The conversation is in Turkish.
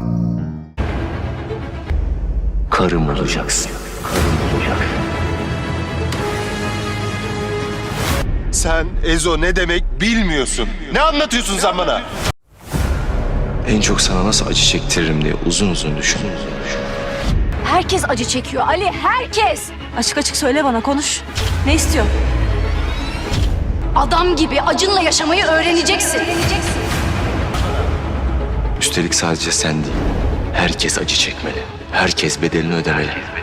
Karım olacaksın. Karım olacaksın. Sen Ezo ne demek bilmiyorsun. Ne anlatıyorsun sen bana? En çok sana nasıl acı çektiririm diye uzun uzun düşün. Herkes acı çekiyor Ali, herkes. Açık açık söyle bana, konuş. Ne istiyor? Adam gibi acınla yaşamayı öğreneceksin. Üstelik sadece sen değil. Herkes acı çekmeli. Herkes bedelini ödemeli.